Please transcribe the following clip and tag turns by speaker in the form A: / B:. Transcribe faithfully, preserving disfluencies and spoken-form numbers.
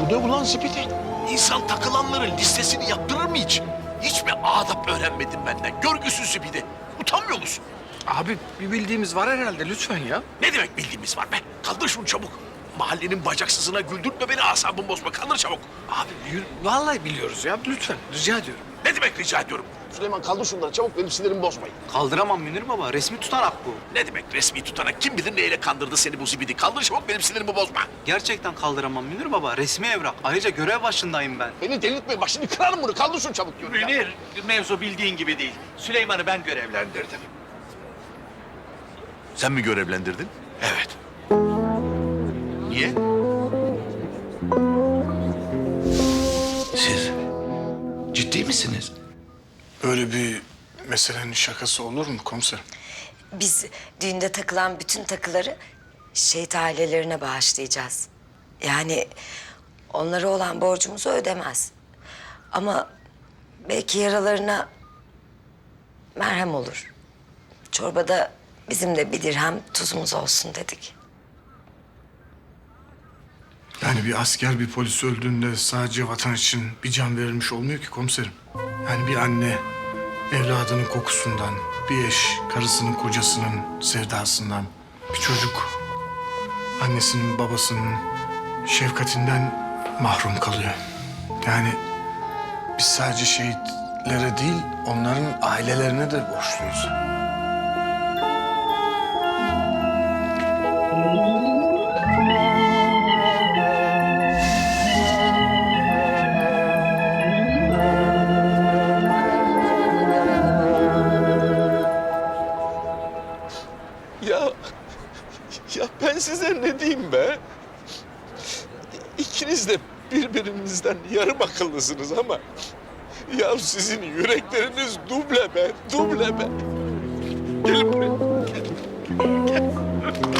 A: Bu ne ulan Zibidi?
B: İnsan takılanların listesini yaptırır mı hiç? Hiç mi adap öğrenmedin benden? Görgüsüz Zibidi. Utanmıyor musun?
A: Abi bir bildiğimiz var herhalde lütfen ya.
B: Ne demek bildiğimiz var be? Kaldır şunu çabuk. Mahallenin bacaksızına güldürtme beni, asabımı bozma. Kaldır çabuk.
A: Abi yürü- vallahi biliyoruz ya lütfen rica ediyorum.
B: Ne demek rica ediyorum? Süleyman kaldır şunları çabuk, benim sinirimi bozmayın.
C: Kaldıramam Münir baba. Resmi tutanak bu.
B: Ne demek resmi tutanak? Kim bilir neyle kandırdı seni bu Zibidi? Kaldır çabuk, benim sinirimi bozma.
C: Gerçekten kaldıramam Münir baba. Resmi evrak. Ayrıca görev başındayım ben.
B: Beni delirtmeyin, bak şimdi kırarım bunu. Kaldır şunu çabuk diyorum ya.
D: Münir, mevzu bildiğin gibi değil. Süleyman'ı ben görevlendirdim.
B: Sen mi görevlendirdin?
D: Evet.
B: Niye?
D: Siz ciddi misiniz?
E: Böyle bir meselenin şakası olur mu komiserim?
F: Biz düğünde takılan bütün takıları şehit ailelerine bağışlayacağız. Yani onlara olan borcumuzu ödemez. Ama belki yaralarına merhem olur. Çorbada bizim de bir dirhem tuzumuz olsun dedik.
E: Yani bir asker bir polis öldüğünde sadece vatan için bir can verilmiş olmuyor ki komiserim. Yani bir anne evladının kokusundan, bir eş karısının kocasının sevdasından, bir çocuk annesinin babasının şefkatinden mahrum kalıyor. Yani biz sadece şehitlere değil onların ailelerine de borçluyuz.
G: Ya, ya ben size ne diyeyim be? İkiniz de birbirinizden yarım akıllısınız ama... ...ya sizin yürekleriniz duble be, duble be. Gelin buraya. Gel. Gel.